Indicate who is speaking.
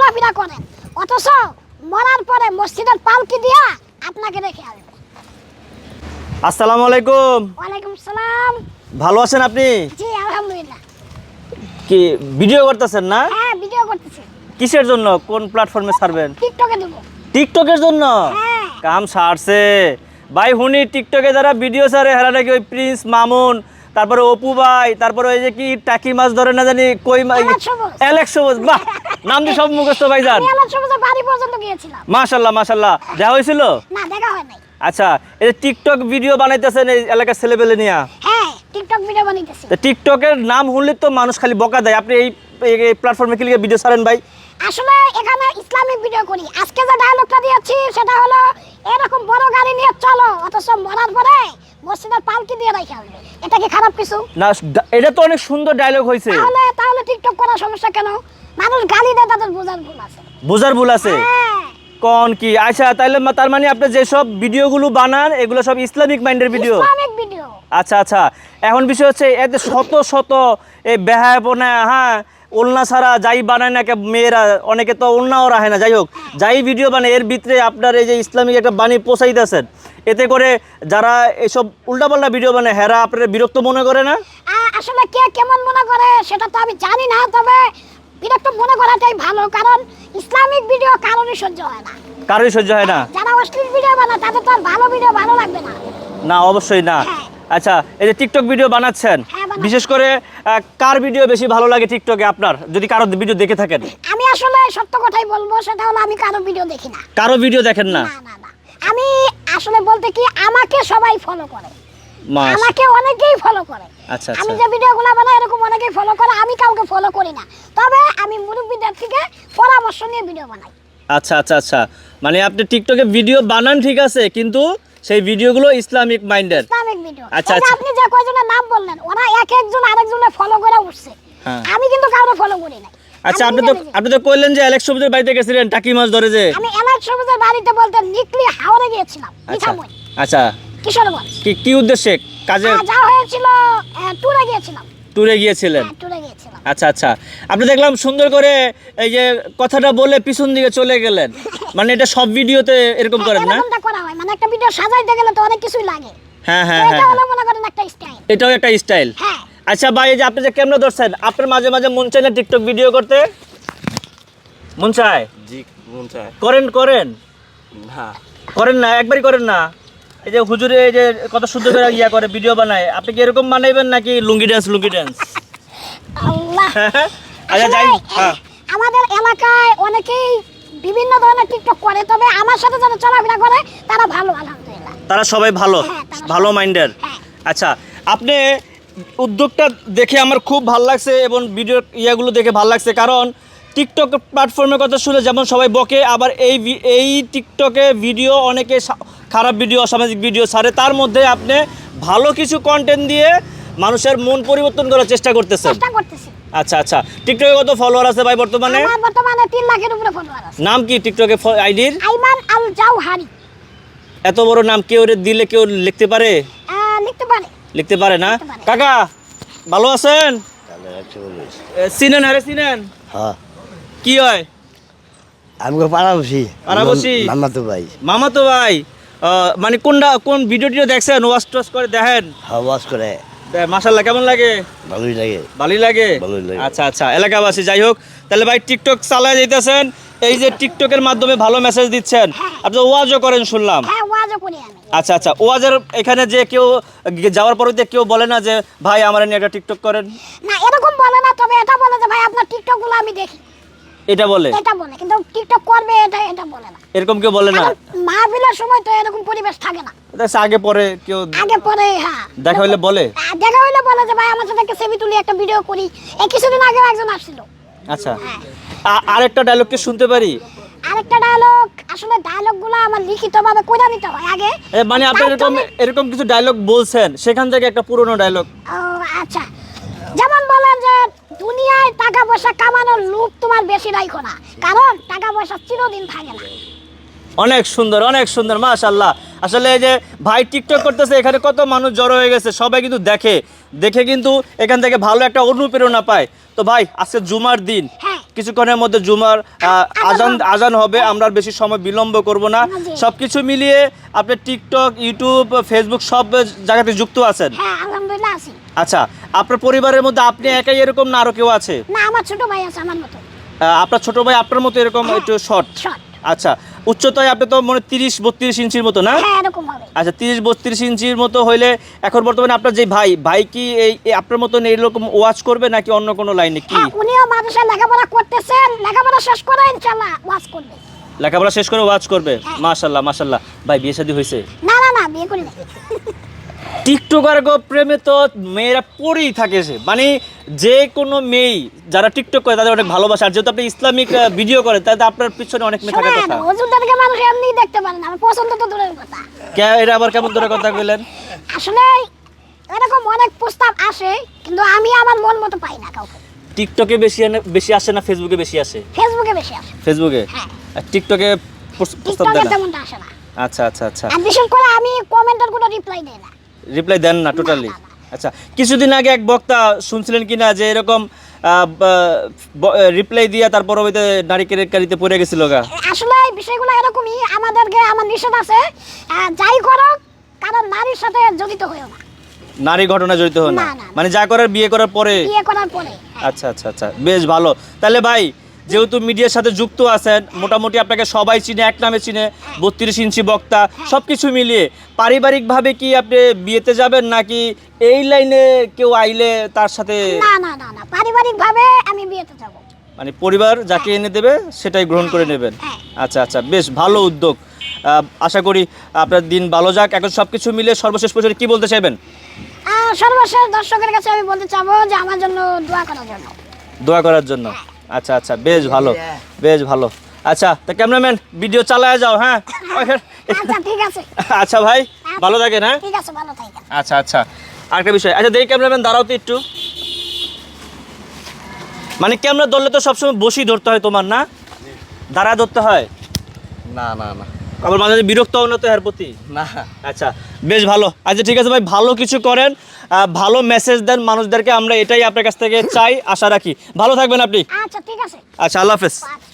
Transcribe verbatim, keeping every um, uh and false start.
Speaker 1: চলাফেরা করেন, অথচ মরার পরে মসজিদের পালকি দিয়া আপনাকে রেখে আসবে।
Speaker 2: আসসালামু আলাইকুম।
Speaker 1: ওয়ালাইকুম সালাম।
Speaker 2: ভালো আছেন আপনি?
Speaker 1: জি আলহামদুলিল্লাহ।
Speaker 2: কি ভিডিও করতেছেন না?
Speaker 1: হ্যাঁ ভিডিও করতেছি।
Speaker 2: কিসের জন্য, কোন প্ল্যাটফর্মে ছাড়বেন?
Speaker 1: টিকটকে দেব।
Speaker 2: টিকটকের জন্য?
Speaker 1: হ্যাঁ।
Speaker 2: কাম সারছে ভাই। হুনি টিকটকে যারা ভিডিও ছাড়ে হেরা নাকি ওই প্রিন্স মামুন, তারপরে অপু ভাই, তারপরে ওই যে কি টাকি মাছ ধরে না জানি কই অ্যালেক্স সবুজ। বাহ, নাম দিয়ে সব মুখস্থ ভাইজান।
Speaker 1: আমি অ্যালেক্স সবুজের বাড়ি পর্যন্ত গিয়েছিলাম।
Speaker 2: মাশাআল্লাহ মাশাআল্লাহ। দেখা হয়েছিল?
Speaker 1: না দেখা হয় নাই।
Speaker 2: আচ্ছা, এই যে টিকটক ভিডিও বানাইতেছেন এই এলাকার ছেলেপেলে নিয়ে?
Speaker 1: হ্যাঁ টিকটক ভিডিও বানাইতেছি।
Speaker 2: তো টিকটকের নাম শুনলে তো মানুষ খালি বকা দেয়। আপনি এই এই প্ল্যাটফর্মে কি লিখে ভিডিও ছাড়েন ভাই?
Speaker 1: আসলে এখানে ইসলামিক ভিডিও করি। আজকে যে ডায়লগটা দিয়েছি সেটা হলো এরকম বড় গাড়ি নিয়ে চলো, অথচ মরার পরে মসজিদের পালকি দিয়ে রাখা হবে। এটা কি খারাপ কিছু?
Speaker 2: না, এটা তো অনেক সুন্দর ডায়লগ হয়েছে।
Speaker 1: তাহলে তাহলে টিকটক করার সমস্যা কেন? মানুষ গালি দেয়, তাদের বোঝার ভুল আছে।
Speaker 2: বোঝার ভুল আছে?
Speaker 1: হ্যাঁ।
Speaker 2: কোন কি? আচ্ছা, তাহলে তার মানে আপনি যে সব ভিডিওগুলো বানান এগুলো সব ইসলামিক মাইন্ডের ভিডিও?
Speaker 1: Islamic video.
Speaker 2: আচ্ছা আচ্ছা। এখন বিষয় হচ্ছে এতে শত শত এই বেহায়াপনা, হ্যাঁ, ওলনা ছাড়া যাই বানায় না মেয়েরা, অনেকে তো ওলনাও রাখে না। যাই হোক, যাই ভিডিও বানায় এর ভিতরে আপনার এই যে ইসলামিক একটা বাণী পৌঁছাইতেছেন, এতে করে যারা এইসব উল্টাপাল্টা ভিডিও বানায় হেরা আপনার বিরক্ত মনে করে না?
Speaker 1: আসলে কে কেমন মনে করে সেটা তো আমি জানি না, তবে বিরক্ত মনে করাটাই ভালো, কারণ ইসলামিক ভিডিও কারোরই সহ্য হয় না।
Speaker 2: কারোরই সহ্য হয় না?
Speaker 1: যারা অশ্লীল ভিডিও বানায় তাদের তো আর ভালো ভিডিও ভালো লাগবে না।
Speaker 2: না, অবশ্যই না। আচ্ছা, এই যে টিকটক ভিডিও বানাচ্ছেন,
Speaker 1: হ্যাঁ, বানাচ্ছি।
Speaker 2: বিশেষ করে আহ, কার ভিডিও বেশি ভালো লাগে টিকটকে আপনার, যদি কারো ভিডিও দেখে থাকেন?
Speaker 1: আমি আসলে সত্য কথাই বলবো, সেটা হলো আমি কারো ভিডিও দেখি না।
Speaker 2: কারো ভিডিও দেখেন না?
Speaker 1: না না না, আমি আসলে বলতে কি আমাকে সবাই ফলো করে,
Speaker 2: মাস
Speaker 1: আমাকে অনেকেই ফলো করে।
Speaker 2: আচ্ছা
Speaker 1: আমি
Speaker 2: আচ্ছা।
Speaker 1: যে ভিডিওগুলো বানাই এরকম অনেকেই ফলো করে, আমি কাউকে ফলো করি না, তবে আমি মুরব্বিদের থেকে পরামর্শ নিয়ে ভিডিও বানাই।
Speaker 2: আচ্ছা আচ্ছা আচ্ছা, মানে আপনি টিকটকে ভিডিও বানান ঠিক আছে, কিন্তু সেই ভিডিওগুলো ইসলামিক মাইন্ডের?
Speaker 1: Islamic video.
Speaker 2: আচ্ছা
Speaker 1: এই যে
Speaker 2: আচ্ছা।
Speaker 1: আপনি যে কয়জনের নাম বললেন, ওরা এক একজন আরেকজনের ফলো করে উঠছে,
Speaker 2: হ্যাঁ।
Speaker 1: আমি কিন্তু কাউকে ফলো করি না।
Speaker 2: আচ্ছা, আপনি তো আপনি তো কইলেন যে অ্যালেক্স সবুজের বাড়িতে গেছিলেন টাকি মাছ ধরে, যে
Speaker 1: আমি অ্যালেক্স সবুজের বাড়িতে বলতে নিকলি হাওড়ে গিয়েছিলাম।
Speaker 2: আচ্ছা
Speaker 1: মিঠামই
Speaker 2: আচ্ছা।
Speaker 1: কিশোরগঞ্জ।
Speaker 2: কি কি উদ্দেশ্যে? কাজে
Speaker 1: যা হয়েছিল, ট্যুরে গিয়েছিলাম।
Speaker 2: ট্যুরে গিয়েছিলেন?
Speaker 1: হ্যাঁ ট্যুরে গিয়েছিলাম।
Speaker 2: আচ্ছা আচ্ছা। আপনি দেখলাম সুন্দর করে এই যে কথাটা বলে পিছন দিকে চলে গেলেন, মানে এটা সব ভিডিওতে এরকম করেন না?
Speaker 1: এরকমটা করা হয়, মানে একটা ভিডিও সাজাইতে গেলে তো অনেক কিছুই লাগে।
Speaker 2: হ্যাঁ হ্যাঁ
Speaker 1: তো
Speaker 2: হ্যাঁ,
Speaker 1: এটা হলো মনে করেন একটা স্টাইল।
Speaker 2: এটাও একটা স্টাইল।
Speaker 1: হ্যাঁ।
Speaker 2: আচ্ছা ভাই, এই যে আপনি যে ক্যামেরা ধরছেন, আপনার মাঝে মাঝে মন চায় না টিকটক ভিডিও করতে? মন চায়?
Speaker 3: জি মন চায়।
Speaker 2: করেন করেন
Speaker 3: না
Speaker 2: করেন না, একবারই করেন না? এই যে হুজুরে এই যে কত সুন্দর করে ইয়া করে ভিডিও বানায়, আপনি কি এরকম বানাইবেন নাকি লুঙ্গি ডান্স লুঙ্গি ডান্স?
Speaker 1: আল্লাহ।
Speaker 2: আচ্ছা যাই। হ্যাঁ,
Speaker 1: আমাদের এলাকায় অনেকেই বিভিন্ন ধরনের টিকটক করে, তবে আমার সাথে যারা চলাফেরা করে তারা ভালো, আলহামদুলিল্লাহ।
Speaker 2: তারা সবাই ভালো,
Speaker 1: হ্যাঁ, তারা
Speaker 2: ভালো মাইন্ডের।
Speaker 1: হ্যাঁ।
Speaker 2: আচ্ছা, আপনি উদ্যোগটা দেখে আমার খুব ভালো লাগছে এবং ভিডিও ইয়াগুলো দেখে ভালো লাগছে, কারণ টিকটক প্ল্যাটফর্মের কথা শুনে যেমন সবাই বকে, আবার এই ভি- এই টিকটকে ভিডিও অনেকে সা- খারাপ ভিডিও, অসামাজিক ভিডিও ছাড়ে, তার মধ্যে আপনি ভালো কিছু কন্টেন্ট দিয়ে মানুষের মন পরিবর্তন করার চেষ্টা করতেছেন।
Speaker 1: চেষ্টা করতেছি।
Speaker 2: আচ্ছা আচ্ছা। টিকটকে কত ফলোয়ার আছে ভাই বর্তমানে?
Speaker 1: আমার বর্তমানে তিন লাখের উপরে ফলোয়ার আছে।
Speaker 2: নাম কি টিকটকে আইডির?
Speaker 1: আইমান আল জাওহারি।
Speaker 2: এত বড় নাম কেউ রে দিলে কেউ লিখতে পারে?
Speaker 1: আহ, লিখতে পারে।
Speaker 2: লিখতে পারে না?
Speaker 1: লিখতে পারে।
Speaker 2: কাকা ভালো আছেন? এ, চিনেন? আরে চিনেন?
Speaker 4: হ্যাঁ
Speaker 2: কি হয়?
Speaker 4: আমি পাড়াবসি
Speaker 2: পাড়াবসি?
Speaker 4: মামা তো ভাই।
Speaker 2: মামা তো ভাই। আহ, মানে কোনটা কোন ভিডিও টিডিও দেখছেন? ওয়াচ টোয়াচ করে দেখেন?
Speaker 4: হ্যাঁ ওয়াশ করে
Speaker 2: মাশাল্লাহ, কেমন লাগে?
Speaker 4: ভালোই লাগে।
Speaker 2: ভালোই লাগে?
Speaker 4: ভালোই লাগে।
Speaker 2: আচ্ছা আচ্ছা, এলাকাবাসী। যাই হোক, তাহলে ভাই টিকটক চালায় যাইতেছেন, এই যে টিকটকের মাধ্যমে ভালো মেসেজ দিচ্ছেন, আপনি ওয়াজও করেন শুনলাম।
Speaker 1: হ্যাঁ ওয়াজও করি আমি।
Speaker 2: আচ্ছা আচ্ছা। ওয়াজের এখানে যে কেউ যাওয়ার পরে যে কেউ বলে না যে ভাই আমার নিয়ে একটা টিকটক করেন?
Speaker 1: না এরকম বলে না, তবে এটা বলে যে ভাই আপনার টিকটক গুলো আমি দেখি,
Speaker 2: এটা বলে?
Speaker 1: এটা বলে, কিন্তু টিকটক করবে এটা এটা বলে না।
Speaker 2: এরকম কেউ বলে না?
Speaker 1: কারণ মাহফিলের সময় তো এরকম পরিবেশ থাকে না।
Speaker 2: দেখছে আগে পরে কেউ
Speaker 1: আগে পরে হ্যাঁ
Speaker 2: দেখা হইলে বলে?
Speaker 1: আহ, দেখা হইলে বলে যে ভাই আমার সাথে একটা ছবি তুলি, একটা ভিডিও করি। এই কিছুদিন আগে একজন আসছিল।
Speaker 2: আচ্ছা, আ- আরেকটা ডায়লগ কি শুনতে পারি?
Speaker 1: আরেকটা ডায়লগ, আসলে ডায়লগ গুলো আমার লিখিত ভাবে কইরা নিতে হয় আগে।
Speaker 2: এ, মানে আপনি এরকম এরকম কিছু ডায়লগ বলছেন, সেখান থেকে একটা পুরনো ডায়লগ।
Speaker 1: ও আচ্ছা, যেমন বলেন যে দুনিয়ায় টাকা পয়সা কামানোর লোভ তোমার বেশি রাখো না, কারণ টাকা পয়সা চিরদিন থাকে না।
Speaker 2: অনেক সুন্দর, অনেক সুন্দর, মাশাআল্লাহ। আসলে এই যে ভাই টিকটক করতেছে, এখানে কত মানুষ জড়ো হয়ে গেছে, সবাই কিন্তু দেখে দেখে কিন্তু এখান থেকে ভালো একটা অনুপ্রেরণা পায়। তো ভাই আজকে জুমার দিন,
Speaker 1: হ্যাঁ
Speaker 2: কিছুক্ষণের মধ্যে জুমার আহ, আজান আজান হবে, আমরা আর বেশি সময় বিলম্ব করব না।
Speaker 1: জি।
Speaker 2: সব কিছু মিলিয়ে আপনি টিকটক, ইউটিউব, ফেসবুক সব জায়গাতে যুক্ত আছেন।
Speaker 1: হ্যাঁ আলহামদুলিল্লাহ আছি।
Speaker 2: আচ্ছা, আপনার পরিবারের মধ্যে আপনি একাই এরকম না আরও কেউ আছে?
Speaker 1: না আমার ছোট ভাই আছে আমার মতো।
Speaker 2: আহ, আপনার ছোট ভাই আপনার মতো এরকম একটু শর্ট?
Speaker 1: শর্ট।
Speaker 2: আচ্ছা, উচ্চতায় আপনি তো মনে তিরিশ বত্রিশ ইঞ্চির মতো না?
Speaker 1: হ্যাঁ এরকম হবে।
Speaker 2: আচ্ছা, তিরিশ বত্রিশ ইঞ্চির মতো হইলে এখন বর্তমানে আপনার যে ভাই ভাই কি এই এই আপনার মতন এইরকম ওয়াচ করবে নাকি অন্য কোনো লাইনে কি?
Speaker 1: হ্যাঁ উনিও মাদ্রাসায় লেখাপড়া করতেছেন, লেখাপড়া শেষ করে ইনশাআল্লাহ ওয়াজ করবে।
Speaker 2: লেখাপড়া শেষ করে ওয়াচ করবে?
Speaker 1: হ্যাঁ।
Speaker 2: মাশাল্লাহ মাশাল্লাহ। ভাই বিয়ে শাদী হয়েছে?
Speaker 1: না না না বিয়ে করি নাই।
Speaker 2: টিকটকার গো প্রেমে তো মেয়েরা পড়েই থাকে, সে মানে যে কোনো মেয়ে যারা টিকটক করে তাদের অনেক ভালোবাসা। আর যেহেতু আপনি ইসলামিক ভিডিও করেন তাহলে তো আপনার পিছনে অনেক মেয়ে থাকার
Speaker 1: শোনেন
Speaker 2: কথা।
Speaker 1: হুজুরদেরকে মানুষ এমনি দেখতে পারে না, আমার পছন্দ তো দূরের কথা।
Speaker 2: কে এটা আবার কেমন ধরে কথা কইলেন?
Speaker 1: আসলে এরকম অনেক প্রস্তাব আসে কিন্তু আমি আমার মন মতো পাই না কাউকে।
Speaker 2: টিকটকে বেশি আনে- বেশি আসে না ফেসবুকে বেশি আসে?
Speaker 1: ফেসবুকে বেশি আসে।
Speaker 2: ফেসবুকে?
Speaker 1: হ্যাঁ।
Speaker 2: আর টিকটকে প্রস- প্রস্তাব
Speaker 1: টিকটকে
Speaker 2: দেন না?
Speaker 1: তেমনটা আসে না।
Speaker 2: আচ্ছা আচ্ছা আচ্ছা।
Speaker 1: আর বিশেষ করে আমি কমেন্টের কোনো রিপ্লাই দেই না।
Speaker 2: রিপ্লাই দেন না টোটালি?
Speaker 1: না, না,
Speaker 2: আচ্ছা, কিছুদিন আগে এক বক্তা শুনছিলেন কিনা যে এরকম রিপ্লাই দিয়া তারপর ওইতে নারী কেলেঙ্কারিতে পড়ে গেছিল গা?
Speaker 1: আসলে এই বিষয়গুলো এরকমই, আমাদেরকে আমার নিষেধ আছে আহ, যাই করো কারণ নারীর সাথে জড়িত হয়েও না,
Speaker 2: নারী ঘটনা জড়িত হন না?
Speaker 1: না, না, না।
Speaker 2: মানে যা করার বিয়ে করার পরে?
Speaker 1: বিয়ে করার পরে। হ্যাঁ।
Speaker 2: আচ্ছা আচ্ছা আচ্ছা, বেশ ভালো। তাহলে ভাই যেহেতু মিডিয়ার সাথে যুক্ত আছেন, মোটামুটি আপনাকে সবাই চিনে, এক নামে চিনে, বত্রিশ ইঞ্চি বক্তা, সব কিছু মিলিয়ে পারিবারিকভাবে কি আপনি বিয়েতে যাবেন নাকি এই লাইনে কেউ আইলে তার সাথে
Speaker 1: না না না না পারিবারিক ভাবে আমি বিয়েতে যাব।
Speaker 2: মানে পরিবার যাকে এনে দেবে সেটাই গ্রহণ করে নেবেন?
Speaker 1: হ্যাঁ।
Speaker 2: আচ্ছা আচ্ছা, বেশ ভালো উদ্যোগ। আহ, আশা করি আপনার দিন ভালো যাক। এখন সব কিছু মিলে সর্বশেষ পর্যন্ত কি বলতে চাইবেন?
Speaker 1: আহ, সর্বশেষ দর্শকের কাছে আমি বলতে চাবো যে আমার জন্য দোয়া করার জন্য।
Speaker 2: দোয়া করার জন্য? আচ্ছা আচ্ছা, বেশ ভালো বেশ ভালো। আচ্ছা, তা ক্যামেরাম্যান ভিডিও চালায় যাও। হ্যাঁ
Speaker 1: আচ্ছা ঠিক আছে।
Speaker 2: আচ্ছা ভাই, ভালো থাকেন। হ্যাঁ
Speaker 1: ঠিক আছে, ভালো থাকেন।
Speaker 2: আচ্ছা আচ্ছা, আরেকটা বিষয়। আচ্ছা দেখি ক্যামেরাম্যান দাঁড়াও তো একটু। মানে ক্যামেরা ধরলে তো সবসময় বসি ধরতে হয় তোমার, না দাঁড়ায় ধরতে হয়?
Speaker 3: না না না
Speaker 2: আবার মাঝে মাঝে বিরক্ত হও না তো এর প্রতি?
Speaker 3: না।
Speaker 2: আচ্ছা বেশ ভালো। আচ্ছা ঠিক আছে ভাই, ভালো কিছু করেন, আহ, ভালো মেসেজ দেন মানুষদেরকে, আমরা এটাই আপনার কাছ থেকে চাই, আশা রাখি। ভালো থাকবেন আপনি।
Speaker 1: আচ্ছা ঠিক আছে।
Speaker 2: আচ্ছা, আল্লাহ হাফেজ।
Speaker 1: আচ্ছা।